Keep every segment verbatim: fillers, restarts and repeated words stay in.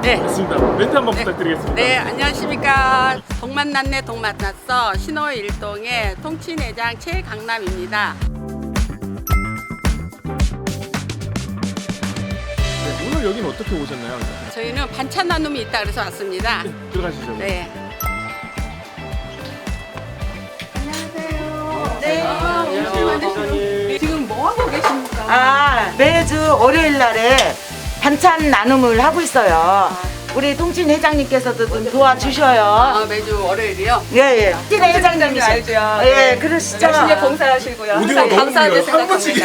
네. 좋습니다. 멘트 한번 네. 부탁드리겠습니다. 네, 안녕하십니까. 동만났네 동만났어 신호일동의 통치내장 최강남입니다. 네, 오늘 여기는 어떻게 오셨나요? 저희는 반찬 나눔이 있다 그래서 왔습니다. 네, 들어가시죠. 네. 네. 안녕하세요. 지금 뭐 하고 계십니까? 아, 매주 월요일 날에 반찬 나눔을 하고 있어요. 우리 통진 회장님께서도 좀 도와주셔요. 아, 매주 월요일이요? 예, 예. 통진 회장님이 알죠. 예, 그러시죠. 열심히 봉사하시고요. 오디오가 항상 너무 감사하게 길어요. 한 번씩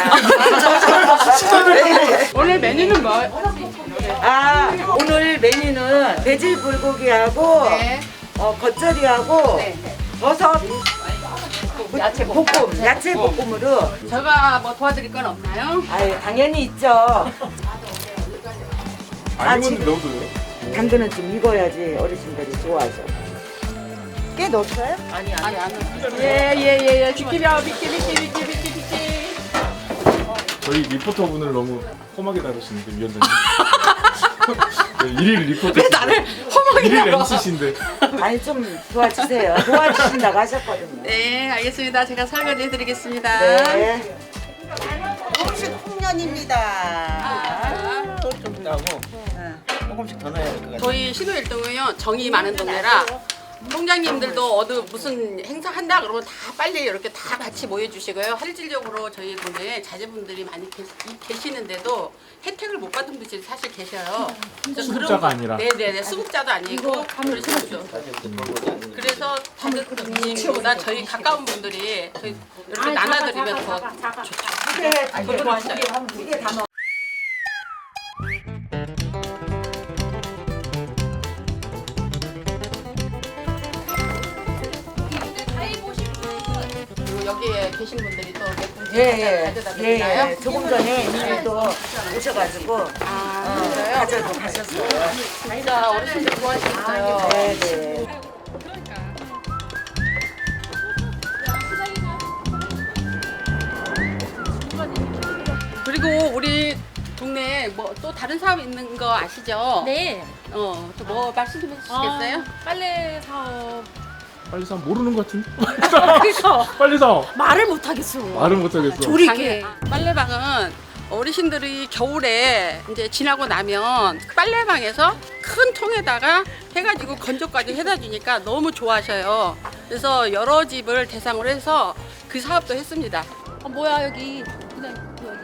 생각합니다. 오늘 메뉴는 뭐? 아, 오늘 메뉴는 돼지 불고기하고 네. 어, 겉절이하고 네. 버섯 야채 볶음, 야채 볶음으로. 제가 뭐 도와드릴 건 없나요? 아유, 당연히 있죠. 아니면 지금- 넣어도요? 당근은 좀 익어야지 어르신들이 좋아하죠. 깨 넣었어요? 아니 아니, 안 넣었어요. 예예예예 비키려 비키 비키 비키 비키 비키. 저희 리포터분을 너무 험하게 다루시는데 위원장님. 네, 일일 리포터. 왜 나를 험하게 일일 다뤄? 엠씨신데. 아니 좀 도와주세요. 도와주신다고 하셨거든요. 네, 알겠습니다. 제가 설거지 해드리겠습니다. 네. 조금씩 풍년입니다. 아, 좀 나고 조금씩 더 넣어야 될 것 같아요. 저희 신호일동은요 정이 많은 동네라 통장님들도 어디 무슨 행사 한다 그러면 다 빨리 이렇게 다 같이 모여주시고요. 실질적으로 저희 동네에 자제분들이 많이 계시, 계시는데도 혜택을 못 받은 분들이 사실 계셔요. 그래서 수급자가 그런- 아니라. 네네네 수급자도 아니고 그러시죠. 그래서 자제분들보다 저희 가까운 분들이 저희 이렇게 나눠드리면 더 좋죠. 그래, 두개 다 두개 다 넣어. 그리고 여기에 계신 분들이 또몇 분 예, 예. 가져다 예, 드리나요? 예. 조금 전에 이미 또 오셔가지고 아, 어, 그래요? 가져도 가셨어요. 진짜 어르신들 좋아하시겠어요. 네, 네. 그리고 우리 동네에 뭐 또 다른 사업 있는 거 아시죠? 네. 어, 또 뭐 말씀 좀 해주시겠어요? 아, 빨래 사업. 빨리 사 모르는 것 같은데. 그래서 빨리 사. 말을 못 하겠어. 말은 못하겠어. 조리개. 방- 빨래방은 어르신들이 겨울에 이제 지나고 나면 빨래방에서 큰 통에다가 해가지고 건조까지 해다 주니까 너무 좋아하셔요. 그래서 여러 집을 대상으로 해서 그 사업도 했습니다. 아, 뭐야 여기 그냥 여기.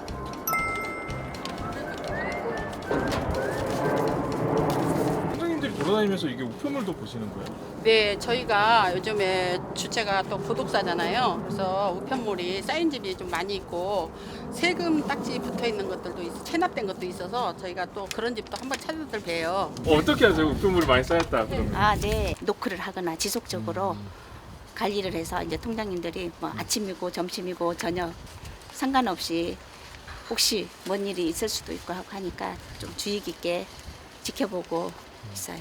선생님들이 돌아다니면서 이게 우편물도 보시는 거예요? 네, 저희가 요즘에 주체가 또 구독사잖아요. 그래서 우편물이 쌓인 집이 좀 많이 있고 세금 딱지 붙어 있는 것들도 있, 체납된 것도 있어서 저희가 또 그런 집도 한번 찾아들 봬요. 어, 어떻게 하세요? 우편물이 많이 쌓였다 그러면. 아, 네. 노크를 하거나 지속적으로 관리를 해서 이제 통장님들이 뭐 아침이고 점심이고 저녁 상관없이 혹시 뭔 일이 있을 수도 있고 하고 하니까 좀 주의 깊게 지켜보고 있어요.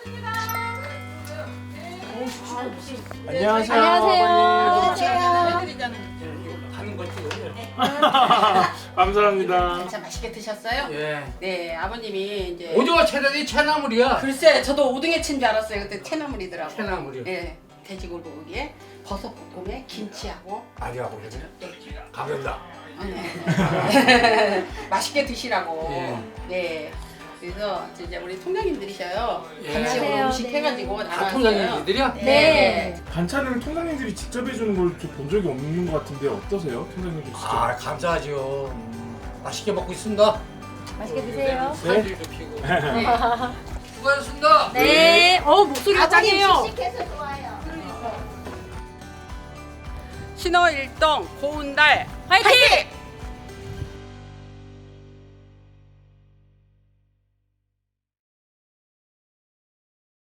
안녕하세요. 안녕하세요. 감사합니다. 진짜 맛있게 드셨어요? 예. 네, 아버님이 이제 오징어 채널이 채나물이야. 글쎄, 저도 오등에 친 줄 알았어요. 그때 채나물이더라고요. 채나물이요. 네, 돼지고기에 버섯 볶음에 김치하고 아니야 보시네. 네. 가볍다. 네. 맛있게 드시라고. 예. 네. 그래서 이제 우리 통장님들이셔요. 예. 같이 오늘 음식 해가지고 다 나눠왔어요. 통장님들이야? 네. 반찬을 통장님들이 직접 해주는 걸 본 적이 없는 것 같은데 어떠세요? 통장님들 직접? 아 감사하죠. 맛있게 먹고 있습니다. 맛있게 드세요. 살도 피고. 네. 수고하셨습니다. 네. 어 목소리가 짱이에요. 신호일동 고운달 화이팅!